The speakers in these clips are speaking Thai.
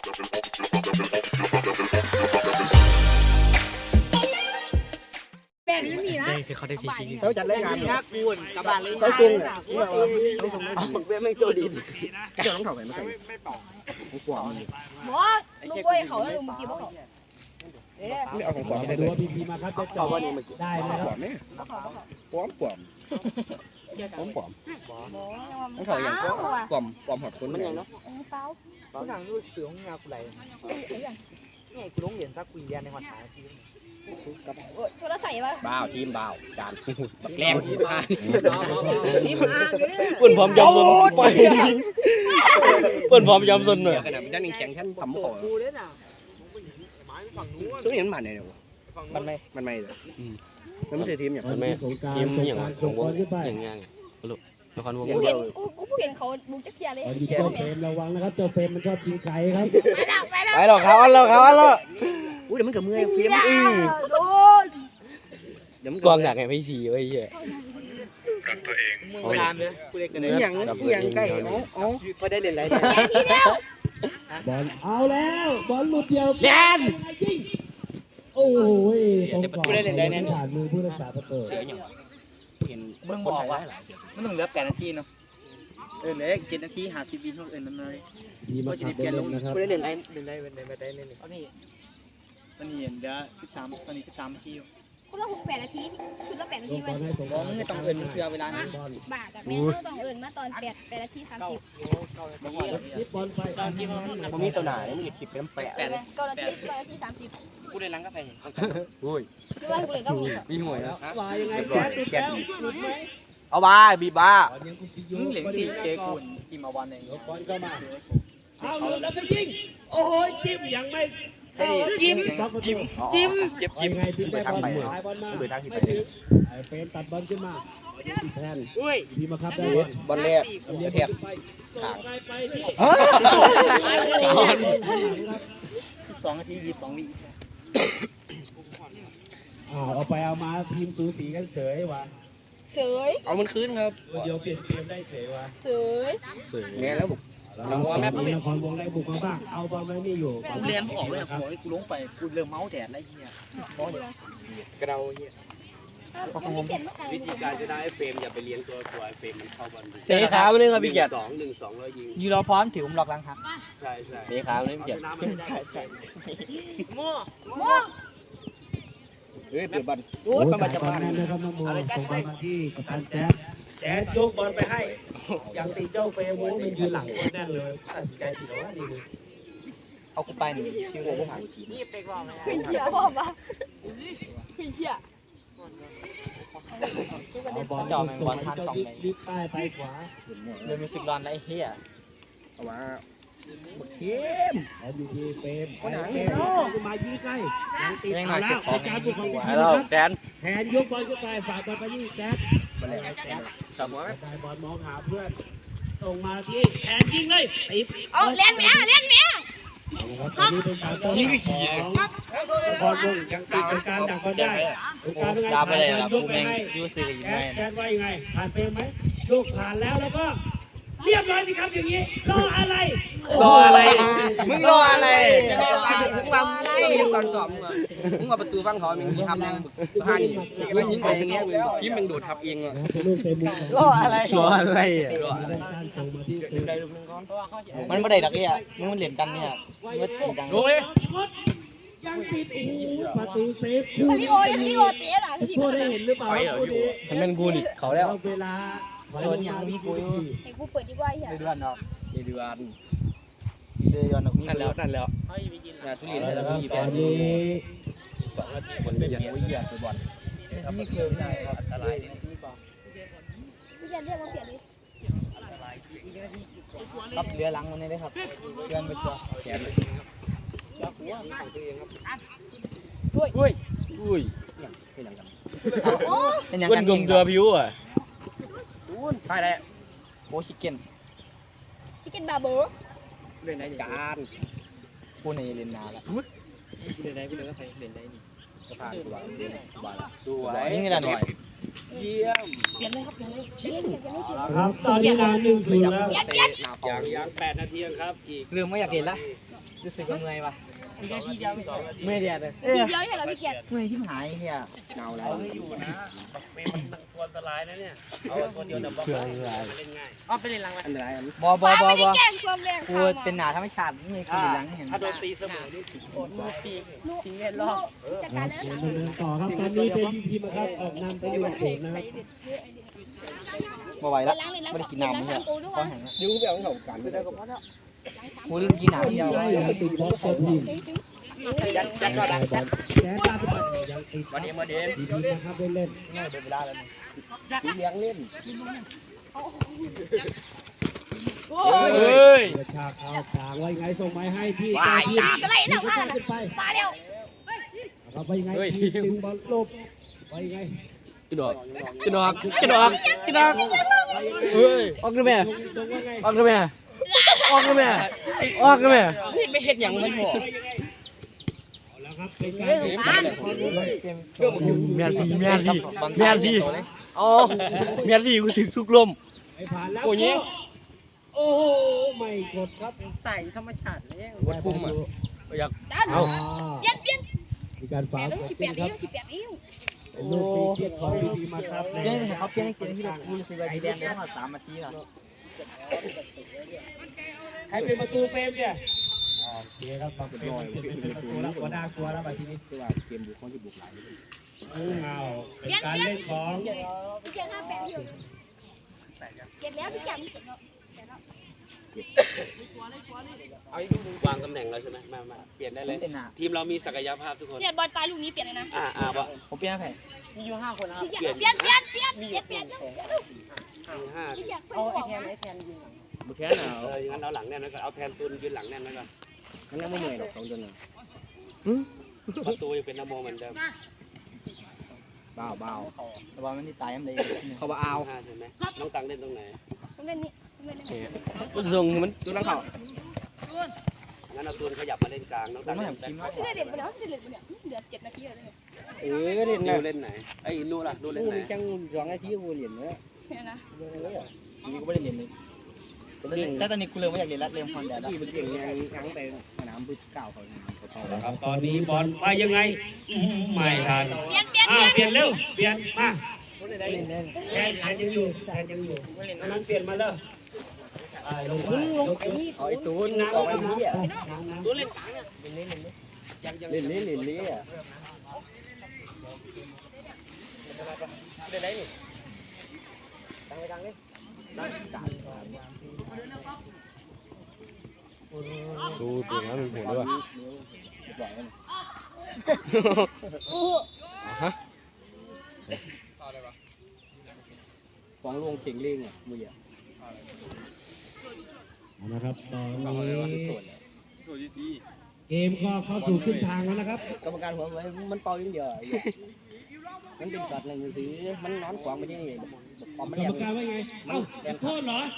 แม่ไม่มีนะคือเขาได้พีซีเขาจัดรายงานนะกูนกับบ้านเลยเขาจุงอ่ะต้องส่งเว็บไม่โจดีเจ้าต้องเข้าไปไม่ใช่ไม่เป่าของขวางหมอลูกกล้วยเขาลูกเมื่อกี้ว่าเขาเอ๊ะไม่เอาของขวางไปดูว่าพีพีมาครับจะจเอาบวันนี้เมื่อกี้ได้ไหมขครับวางไหมเขาขวางต้องขวางหมอต้องเข้าอย่างขวางขวางหอดคนมันยังเนาะเป้าเขาหนังดูเสืองงากูไหลนี่กูลงเหรียญสักกุยเรียนในวันหาทีโทรศัพท์ป่ะบ้าวทีมบ้าวจานแกล้งทีมพานี่มาเนี่ยเปิ่นพร้อมยอมสนไปเปิ่นพร้อมยอมสนเลยขนาดมันแข็งฉันทำขอกูเลยน่ะทุกอย่างมันผ่านเนี่ยมันไม่เลยมันไม่ใช่ทีมอย่างมันไม่สงการสงการส่งบอลขึ้นไปอย่างเงี้ยลูกละครวงกูเห็นกูเห็นเขาบุกจักรยานเลยตอนนี้เจ้าเฟรมระวังนะครับเจ้าเฟรมมันชอบชิงไก่ครับไปแล้วไปหรอกเขาอันแล้วเขาอันแล้วอุ้ยเดี๋ยวมันกับมือเพี้ยมโดนเดี๋ยวมันกองหนักไงพี่สีไว้เหี้ยมือลามเลยกูเล็กกันเลยอย่างใกล้อ๋อก็ได้เล่นอะไรทีแล้วบอลเอาแล้วบอลหลุดเดียวแดนยิงโอ้โหตรงกรอบผ่านมือผู้รักษาประตูเสียอย่างเห็นมึงบอกว่ามันต้องเหลือ8 นาทีเนาะเหลือ7 นาที50 วิเท่านั้นเลยทีมาขับได้ลงนะครับกูได้เล่นอะไรไม่ได้เล่นเอานี่มันเห็นเดี๋ยว13ตอนนี้13 นาทีคุณละ8 นาทีคุณละ8 นาลทีงบมัอน ลให้สงบอกมึงไม่ต้องเอินเชื่อเวลานั้นบอลบากับแม่ต้องเอิญมาตอน8 นาที 30 ชิปบอลไปผมมีตัวหนาเนี่ยมันคลิปเป็นแปะ 9 นาที9 นาที 30 กูได้ล้างกาแฟอุ้ยหรือว่ากูเลยก็มีมีหวยนะว่ายังไงแจ๊ดติดแล้วหลุดไหมเอาบ้าบีบ้าบอลยังคุกกี้มึงเหลียง4เจกุนจิมอาวันเองบอลเข้ามาเอาหลุดแล้วก็ยิงโอ้โหจิ้มยังไม่จิ้มเจ็บยังไงพี่ได้บอลหายบอลมาเปิดทางที่ไปไม่ถึงไอ้เฟรมตัดบอลขึ้นมาติดแทนอุ้ยดีมาครับได้บอลแรกเรียกแทบไปส่งไปไปที่ 2 นาที 22 วิเอาไปเอามาทีมสูสีกันเสยว่ะเสยเอามันคืนครับเดียวเปลี่ยนเกมได้เสยว่ะเสยแม่แล้วผมนครวงได้บุกมาบ้างเอาบอลไว้นี่อยู่กูเรียนออกเลยหัวกูลงไปกูเริ่มเมาแดดแล้วเหี้ยกระเดาเหี้ยวิธีการจะได้เฟรมอย่าไปเลี้ยงตัวเฟรมมันเข้าบอลเสียขาไม่ได้ครับพี่เกียรติ 1-2แล้วยิงยูรอพร้อมถือผมหลอกลังครับใช่ใช่เสียขาไม่ได้พี่เกียรติใช่ม่วงเฮ้ยเปิดบอลโอ้ยประมาณจะมานะครับน้องโมส่งบอลมาที่กัปตันแจ๊ดแจ๊ดยกบอลไปให้ยังตีเจ้าเฟรมโว้มันยืนหลังคนแน่นเลยตัดสินใจผิดแล้วดีเลยเอากูไปหนึ่งชื่อโง่ผ่านนี่เป็กรอบไหมเหี้ยพ่อมาเหี้ยเอาบอลจอดบอลทันสองเลยลิฟต์ป้ายไปขวาเริ่มมีสึกร้อนแล้วไอ้เหี้ยเอามาหมดเทมแล้วอยู่ที่เฟรมเฟรมมายิงใกล้ยังติดยังหเอาน่อยแล้เก็บของวการบุกของทีมแล้วนะครับแดนแทนยกบอลขึ้นไปฝากบอลไปที่แจ๊ดสามหัวกระจายบอลมองหาเพื่อนส่งมาที่แทนยิงเลยติดเอาเล่นแม่เล่นแม่ตอนนี้เป็นการต้อนรับของบอลวงยังติดเป็นการดักบอลได้เป็นการเป็นดาวไปเลยการครับยกูกไปแม่งให้ยูซีกับยิงแจ๊แม่ดแจ๊ดว่ายังไงผ่านเฟรมไหมลูกผ่านแล้วแล้วก็เรียบร้อยสิครับอย่างนี้รออะไรมึงรออะไรจะได้ไปมึงมาตอนสอบมึงมาประตูฟังถอนมึงทำยังผ้านี่มึงยิงไปอย่างเงี้ยยิ้มมึงโดดทับเองอ่ะเป็นลูกเฟรมมุมรออะไรอ่ะการส่งมาที่เฟรมได้ลูกนึงก่อนมันไม่ได้ดักเนี่ยมันเหรียญกันเนี่ยมันจริงจังดูเลยยังติดโอ้โหประตูเซฟคู่ลินี้โอลิโอเตะล่ะพี่โทษได้เห็นหรือเปล่าคู่นี้มันเป็นกูดิเขาแล้วเวลาตัวนี้ยังมีกูอยู่ให้กูเปิดดีกว่าเหี้ยเดือนเนาะเดือนเดือนเนาะนั่นแล้วนั่นแล้วงานสุรินทร์แล้วสุรินทร์ตอนนี้ 2 นาทีคนเป็นอย่างวิทยาตัวบอลนี่คือไม่ได้ครับอันตรายกูจะเรียกมาเปลี่ยนดิครับเรือลังมันนี่ได้ครับเดือนไปตัวแขนเลยอุ้ยเป็นอย่างกันโอ้เป็นอย่างกันกลุ่มเดือผิวอ่ะใช่แล้วโคชิเก้นชิคเก้นบาร์เบอร์เรื่องไหนการกูในเรียนนาละสะพานตัวบอลสวยนี่แหละหน่อยเยี่ยมเปลี่ยนเลยครับเปลี่ยนเลยเปลี่ยนเลยครับตอนนี้นาน1-0แล้วอย่าง8 นาทีครับอีกลืมไม่อยากเห็นละรู้สึกยังไงวะทีเดียว2 นาทีไม่เดียดเลยทีเดียวใช่เหรอพี่เกียรติเมื่อยที่หายเฮียเงาแล้เอาวให้อยู่นะเฟรมมันตัวอันตรายนะเนี่ยเอาตัวเดียวเดี๋ยวบล็อกเล่นง่ายอ๋อไปเล่นหลังไหมอันตรายบอบอบอบอแจ้งความแรงกูเป็นหนาธรรมชาติไม่เคยเล่นหลังเห็นถ้าโดนตีเสมอนี่ถึงโคตรปีกทิ้งเล่นรอบจัดการแล้วเกมดำเนินต่อครับตอนนี้เป็นทีมนะครับออกนำไปอยู่ศูนย์นะครับบ่ไหวละล้างเลยล้างไม่ได้กินน้ำเนี่ยปูด้วยก็แห้งละยุ่งแบบของกันไม่ได้ก็พอแล้วกูลืมกินน้ำเดียวได้ยังติดบอลเซฟทีมยัดก็ได้แจ๊ดตาไปยังติดมาเดมมาเดมทีมนะครับเล่นง่ายเดินเวลาแล้วสีเลี้ยงเล่นเฮ้ยกระชากเอาทางไว้ไงส่งไม้ให้ที่เจ้าทีมจะไล่แล้วกระชากขึ้นไปมาเร็วครับไปไงทีมดึงบอลลบไปไงกระดอกกระดอกกระดอกกระดอกเฮ้ยออกกันแม่ตรงว่าไงออกกันแม่ออกกันแม่ออกกันแม่ไม่เห็นอย่างมันพอแล้วครับเป็นการเมียนซีอ๋อเมียนซีกูถึงสุกลมไปผ่านแล้วโอ้ยโอ้ไม่กดครับใส่ธรรมชาติเลยวัดปุ่มอ่ะอยากเอาเปลี่ยนเปลี่ยนมีการแปฝาดวนิ้วกดสิบแปขึ้นดครับนิ้วสิบแปดนิ้วเป็นลูกตีเทียบของดีมาครับเปลี่ยนเขาเปลี่ยนให้กินที่กูรู้สึกว่าดีแดงได้มา3 นาทีแล้วใครเป็นประตูเฟรมเนี่ยโอเคครับมาเป็นประตูแล้วหัวหน้ากลัวแล้วมาทีนี้ตัวเกมบุกเขาจะบุกหลายเอาเป็นการเล่นของพี่เกียรติห้าแปดนิ้วเก็บแล้วพี่เกียรติเก็บแล้ววางตำแหน่งแล้วใช่ไหมมาเปลี่ยนได้เลยเป็นหนาทีมเรามีศักยภาพทุกคนเปลี่ยนบอลตายลูกนี้เปลี่ยนเลยนะวะผมเปลี่ยนให้มีอยู่5 คนนะครับพี่เกียรติเปลี่ยนเปลี่ยนเปลี่ยนเปลี่ยนเปลี่ยนห้าพี่เกียรติเพิ่งบอกนะบุกแค่หนาวงั้นเอาหลังแน่นไว้ก่อนเอาแทนตุนยืนหลังแน่นไว้ก่อนมันยังไม่เหนื่อยหรอก2 เดือนประตูยังเป็นนโมเหมือนเดิมเบาเบาแต่ว่ามันที่ตายยังไงเขาบอกเอา 5ใช่ไหมน้องตังเล่นตรงไหนต้องเล่นนี่ต้องเล่นนี่ก็ทรงมันตัวนักข่าวงั้นเอาตุนขยับมาเล่นกลางน้องตังเล่นแบ็คพี่ได้เด็ดไปแล้วพี่ได้เด็ดไปเนี่ยเหลือ7 นาทีเลยเล่นนินะวเล่นไหนไอ้นู่นล่ะนู่นเล่นไหนจัง2 นาทีกูเรียนเนื้อเนี่ยนะนี่กูไม่ได้เรียนเลยแต่ตอนนี้กูเริ่มไม่อยากเรียนแล้วเริ่มฮอนแดดแล้วที่มันเก่งยังไปสนามบึ้เก่าเขาครับตอนนี้บอลไปยังไงไม่ทันเปลี่ยนเปลี่ยนเปลี่ยนเร็วเปลี่ยนมาแทนยังอยู่นั้นเปลี่ยนมาเลยลงเอาไอ้ตูนออกไปนี้อ่ะตัวเล่นกลางเนี่ยเล่นนี้อ่ะดูตัวนั้นมีผลด้วยฟ้องลงเข่งเล่งอ่ะมืออ่ะนะครับตอนนี้เกมก็เข้าสู่ครึ่งทางแล้วนะครับกรรมการหัวมันเป่าอย่างเดียวมันเป็นกัดหนึ่งถือมันนอนขวางไปที่นี่ปอมมันกรแหลรมมการว่าไงเอ้าจุดโทษเหรอ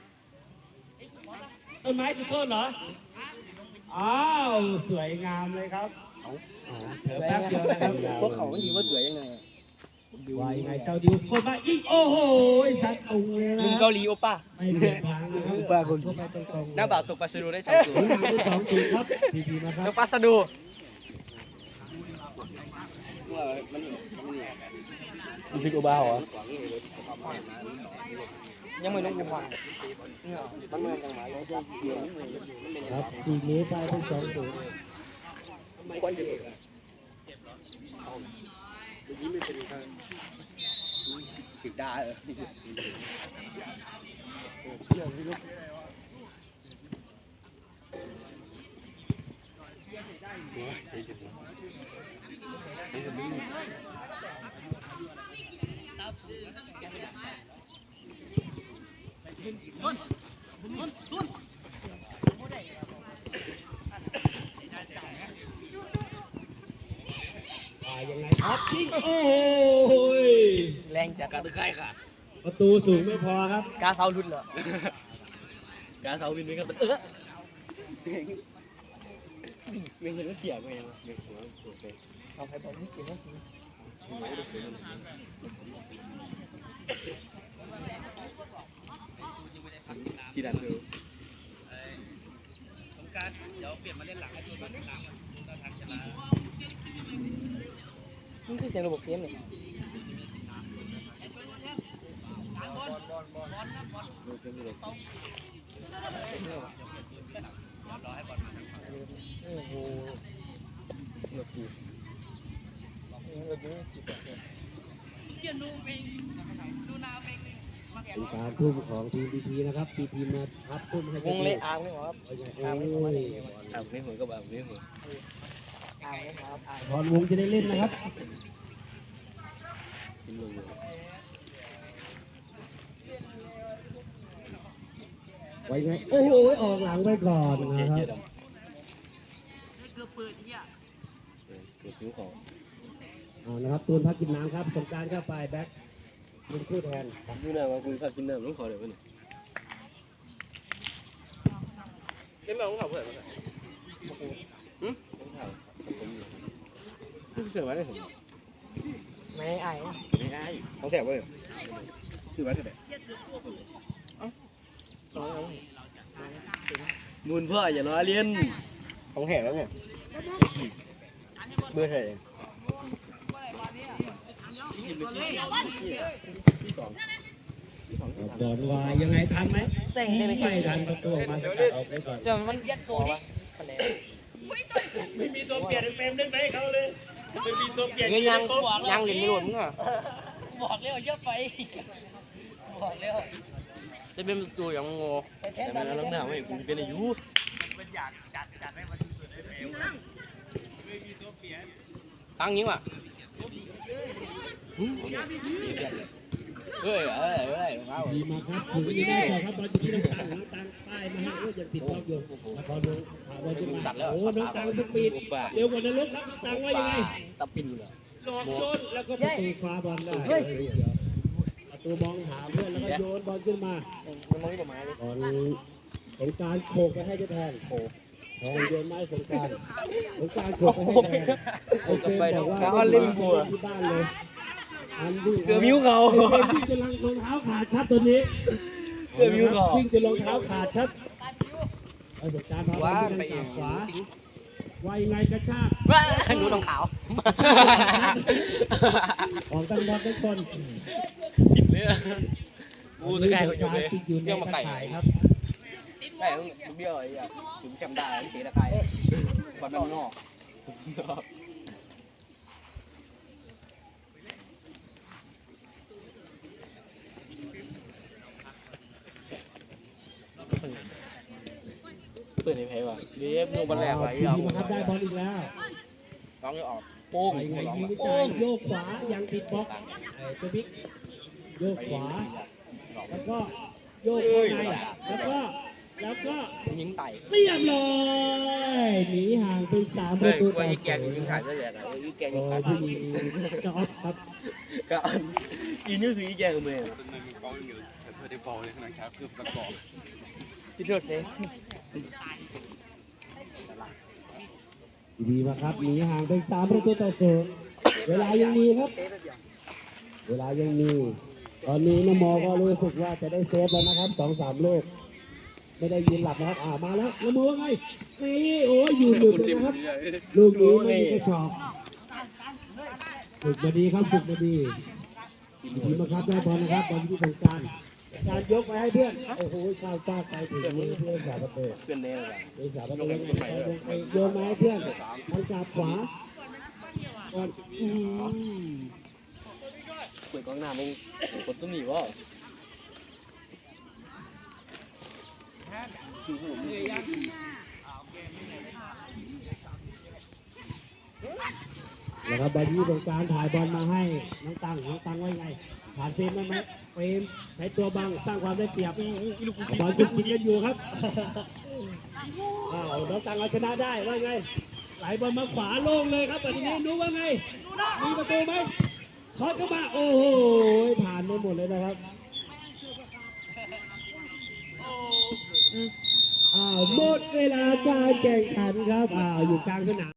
ต้นไม้จุดโทษเหรออ้าวสวยงามเลยครับแป๊บเดียวนะครับพวกเขามันดีว่าสวยยังไงว่ายังไงเจ้าดิวคนมาอีกโอ้โหสัตว์ตุงเลยนะลุงเกาหลีโอป้าไม่เดือดร้อนนะครับเข้าไปตรงๆหน้าบ่าวตกปลาสะดูได้2 ตัวได้2 ครับดีๆนะคตรับกปลาสะดูรู้สึกโอบ้าเหรอยังไม่รู้กูฟังมันมาจังหวะเลยครับทีนี้ไปเป็น2-0 คนเดียวติดได้เออยังไงครับยิงโอ้ยแรงจากการตะไคร่ค่ะประตูสูงไม่พอครับกาเสารุ่นเหรอกาเสาวินเป็นกับไม่เห็นว่าเสียงไงเอาไปบอกนี่เสียงว่าสิที่ดันดูสงการเดี๋ยวเปลี่ยนมาเล่นหลังให้ดูบ้านหลังถ้าทางจะลานี่คือเสียงระบบเสียงเลยดูเป็นเลยรอให้บอลมาโอ้โหเลือกกูเป็นการทุ่มของทีมพีพีนะครับทีมมาทับทุ่มให้วงเละอาร์มไม่หรอครับโอ้ยอาร์มไม่หัวเลยอ่ะไม่หัวก็แบบไม่หัวอาร์มไม่หัวครับอาร์มบอลวงจะได้เล่นนะครับกินลงเลยไว้ไงโอ้โหออกหลังไปก่อนนะครับเกือบผิวของเอานะครับตูนพักกินน้ำครับสงการเข้าไปแบ็คเป็นคู่แทนดูหน้าว่าคุณขับกินน้ำต้องขอเดี๋ยวนี้เล่นมาของเขาเพื่อนต้องข่าวผมอยู่ซึ่งเกิดไว้ได้ผมไม่ไอ้ไม่ได้ของแถวเว้ยคือไว้เท่าไหร่น้องมูลพ่ออย่าล้อเลียนของแถวแล้วเนี่ยเบอร์เท่าไหร่ที่สองบอลวายยังไงทันไหมเซ็งได้ไหมไม่ทันประตูออกมาสกัดออกไปก่อนจนมันยัดตัวดิไม่มีตัวเปลี่ยนเฟรมเล่นไปให้เขาเลยไม่มีตัวเปลี่ยนยังเหรียญไม่หล่นมึงอ่ะบอกแล้วเยอะไปบอกแล้วจะเป็นประตูอย่างงอแต่มันน้องหนาวไม่กูเป็นอายุมันอยากจัดให้มันสุดให้เฟรมไม่มีตัวเปลี่ยนตั้งยิงว่ะเฮ้ยว้าวดีมาครับถึงจะได้ต่อครับบอลจะที่น้องตังน้องตังป้ายมาให้โอ้ยยังติดรอบอยู่แล้วพอลงบอลจะมาโอ้น้องตังสปีดเร็วกว่านรกครับน้องตังว่ายังไงตับปินอยู่เลยหลอกโยนแล้วก็ประตูคว้าบอลได้ประตูมองหาเพื่อนแล้วก็โยนบอลขึ้นมามันมองที่ประมาณนี้บอลสงการโขกไปให้เจ้าแทนโขกแทนโยนไม้สงการโขกไปให้แทนโอเคบอกว่าเล่นที่บ้านเลยอันวิ่งเกือบมิ้วเขาวิ่งจนรองเท้าขาดครับตัวนี้เกือบมิ้วเขาวิ่งจนรองเท้าขาดครับเอาสงการพาบอว่าลไปไปเอทาง งขวาว่ายังไงกระชากว้าดูรองเท้าของตั้งบอลทุกคนผิดเลยกูตะไคร้คนอยู่เลยติดอยู่ในตะข่ายครับแต่ต้องเบี้ยวไอ้อะถึงจำได้เสียตะไคร้บอลนอก เปิดในแพ้ว่ะเดี๋ยวดูบอลแรกไปทีเอามครับได้บอลอีกแล้วต้องออกโป้งไปไงยิงวิโป้จัยงโยกขวายังติดบล็อกตัวบิ๊กโยกขวาแล้วก็โยกเข้าในแล้วก็ยิงไต่เรียบร้อยหนีห่างเป็น3 ปเฮ้ระยตูกลัต่วอยี่แกงยิงขาดได้ยังไงยี่แกงโอ้ยิงขาดผู้หญิงจอดครับก็อีนิ้วสุดอีแกกับมือที่โทษเซ่ดีมากครับหนีห่างเป็น3 ประตูต่อ0เวลายังมีครับ เวลายังมี ตอนนี้น้องมอก็รู้สึกว่าจะได้เซฟแล้วนะครับ2-3 ลูกไม่ได้ยืนหลับนะครับมาแล้วน้องมอว่าไงนี่โอ้ยอยู่เลยนะครับลูกนี้ไม่มีกระชอกฝึกมาดีครับฝึกมาดีดีมากครับได้บอลนะครับบอลที่สงการการยกไปให้เพื่อนโอ้โหข้าวฟาดไปถึงมือเพื่อนสาประตูเพื่อนเน่เลยเพื่อนสาประตูยังไงโยนมาให้เพื่อนทางจับขวาก่อนเปิดกองหน้ามึงกดตุ้มหนีวะแล้วครับบอลที่ตรงกลางถ่ายบอลมาให้น้องตังไว้ไงผ่านเฟรมได้ไหมเฟรมใช้ตัวบังสร้างความได้เปรียบบอลจุดกินกันอยู่ครับอ้าวน้องตังเอาชนะได้ว่าไงไหลบอลมาขวาโล่งเลยครับแบบนี้รู้ว่าไงมีประตูไหมขอเข้ามาโอ้โหผ่านไปหมดเลยนะครับหมดเวลาการแข่งขันครับอยู่กลางสนาม